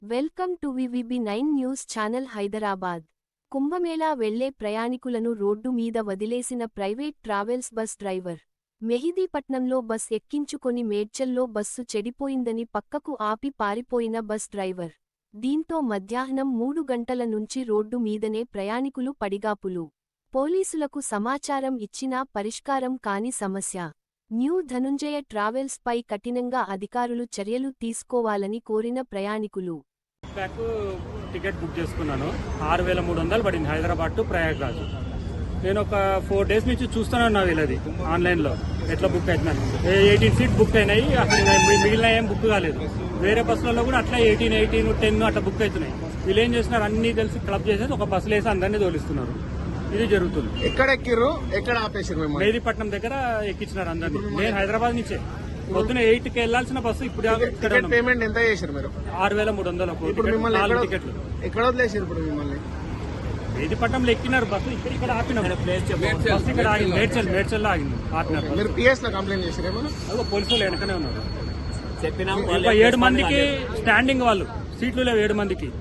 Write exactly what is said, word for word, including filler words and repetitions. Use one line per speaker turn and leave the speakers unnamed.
Welcome to VVB nine news channel Hyderabad. Kumbh Mela వెళ్లే ప్రయాణికులను రోడ్డు మీద వదిలేసిన ప్రైవేట్ ట్రావెల్స్ బస్ డ్రైవర్. మెహిదీపట్నంలో బస్ ఎక్కించుకొని మేడ్చల్లో బస్సు చెడిపోయిందని పక్కకు ఆపి పారిపోయిన బస్ డ్రైవర్. దీంతో మధ్యాహ్నం మూడు గంటల నుంచి రోడ్డు మీదనే ప్రయాణికులు పడిగాపులు. పోలీసులకు సమాచారం ఇచ్చినా పరిష్కారం కాని సమస్య. న్యూ ధనుంజయ ట్రావెల్స్ పై కఠినంగా అధికారులు చర్యలు తీసుకోవాలని కోరిన ప్రయాణికులు.
బ్యాక్ టికెట్ బుక్ చేసుకున్నాను. ఆరు వేల మూడు వందలు పడింది హైదరాబాద్ టు ప్రయాగ్రాజ్. నేను ఒక ఫోర్ డేస్ నుంచి చూస్తున్నాను నా వీళ్ళది ఆన్లైన్లో ఎట్లా బుక్ అవుతున్నాను. ఎయిటీన్ సీట్ బుక్ అయినాయి, అసలు మిగిలిన ఏం బుక్ కాలేదు. వేరే బస్సులలో కూడా అట్లా ఎయిటీన్ ఎయిటీన్ టెన్ అట్లా బుక్ అవుతున్నాయి. వీళ్ళు ఏం చేస్తున్నారు, అన్ని కలిసి క్లబ్ చేసేసి ఒక బస్సులు వేసి అందరినీ తోలిస్తున్నారు. ఇది జరుగుతుంది.
ఎక్కడ ఎక్కిర్రు, ఎక్కడ ఆపేసారు?
మెహదీపట్నం దగ్గర ఎక్కించినారు అందరినీ. నేను హైదరాబాద్ నుంచే పొద్దున ఎయిట్ కి వెళ్లాల్సిన బస్సు ఇప్పుడు
పేమెంట్ ఎంత చేశారు మీరు?
ఆరు వేల మూడు వందలు నాలుగు టికెట్లు.
ఎక్కడ వదిలేసారు ఇప్పుడు మిమ్మల్ని?
మెహదీపట్నంలో ఎక్కినారు బస్సు. ఇక్కడ ఇక్కడ ఆపినారు. బస్సు ఇక్కడ ఆగింది, మేడ్చల్ మేడ్చల్లో ఆగింది. ఆపినారు.
మీరు పిఎస్ లో కంప్లైంట్ చేశారు ఏమన్నా?
అదో పోలీసు వాళ్ళు వెనకనే ఉన్నారు. చెప్పినా ఏడు మందికి స్టాండింగ్, వాళ్ళు సీట్లు లేవు ఏడు మందికి.